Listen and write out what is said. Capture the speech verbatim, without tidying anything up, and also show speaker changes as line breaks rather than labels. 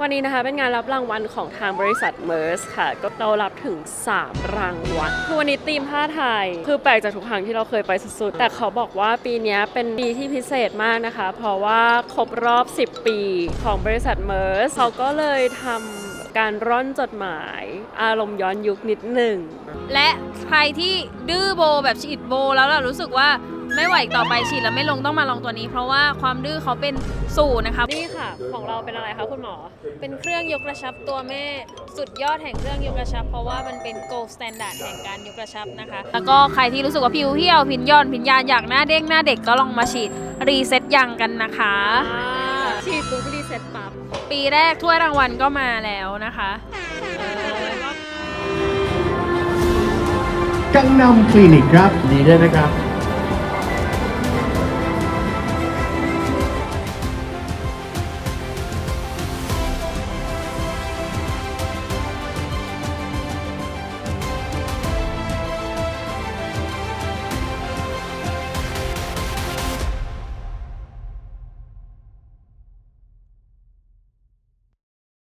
วันนี้นะคะเป็นงานรับรางวัลของทางบริษัทเมอร์สค่ะก็เรารับถึงสามรางวัลคือวันนี้ธีมผ้าไทยคือแปลกจากทุกครั้งที่เราเคยไปสุดๆแต่เขาบอกว่าปีนี้เป็นปีที่พิเศษมากนะคะเพราะว่าครบรอบสิบปีของบริษัทเมอร์สเขาก็เลยทำการร่อนจดหมายอารมณ์ย้อนยุคนิดหนึ่ง
และใครที่ดื้อโบแบบฉีดโบแล้วเรารู้สึกว่าไม่ไหวต่อไปฉีดแล้วไม่ลงต้องมาลองตัวนี้เพราะว่าความดื้อเขาเป็นศูนย์นะคะ
นี่ค่ะของเราเป็นอะไรคะคุณหมอ
เป็นเครื่องยกกระชับตัวแม่สุดยอดแห่งเครื่องยกกระชับเพราะว่ามันเป็น gold standard แห่งการยกกระชับนะคะแล้วก็ใครที่รู้สึกว่าผิวเหี่ยวผินย่อนผินยานอยากหน้าเด้งหน้าเด็กก็ลองมาฉีดรีเซ็ตยังกันนะคะ
ฉีดปุ๊บรีเซ็ตปั๊บ
ปีแรกถ้วยรางวัลก็มาแล้วนะคะ
กังนำคลินิกครับดีด้วยนะครับ